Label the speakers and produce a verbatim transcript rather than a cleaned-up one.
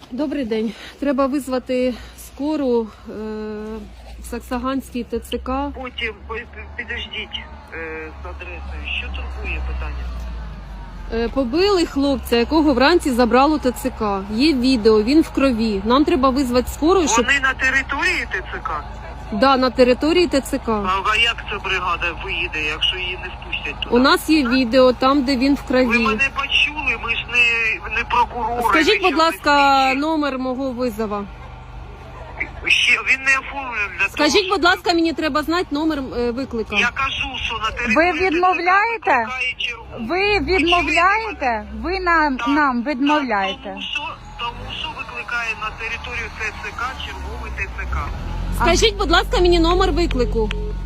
Speaker 1: Добрий день. Треба визвати скору е, в Саксаганський ТЦК.
Speaker 2: Потім підождіть е, з адресою. Що турбує питання?
Speaker 1: Е, побили хлопця, якого вранці забрало ТЦК. Є відео, він в крові. Нам треба визвати скору, щоб...
Speaker 2: Вони на території ТЦК?
Speaker 1: Да, на території ТЦК.
Speaker 2: А як ця бригада виїде, якщо її не впустять туди?
Speaker 1: У нас є відео там, де він в
Speaker 2: Ви
Speaker 1: крові.
Speaker 2: мене почули, ми ж не, не прокурори.
Speaker 1: Скажіть,
Speaker 2: нічого
Speaker 1: будь
Speaker 2: не
Speaker 1: ласка,
Speaker 2: слідчі.
Speaker 1: номер мого визова.
Speaker 2: Ще, він не оформлений для
Speaker 1: Скажіть,
Speaker 2: того,
Speaker 1: будь ласка, мені треба знати номер е, виклика.
Speaker 2: Я кажу, що на
Speaker 3: Ви
Speaker 2: території
Speaker 3: відмовляєте?
Speaker 2: ТЦК викликає чергову.
Speaker 3: Ви відмовляєте? Ви нам,
Speaker 2: Так,
Speaker 3: нам
Speaker 2: так,
Speaker 3: відмовляєте.
Speaker 2: Тому що, тому що викликає на територію ТЦК черговий ТЦК.
Speaker 1: Скажіть, будь ласка, мені номер виклику.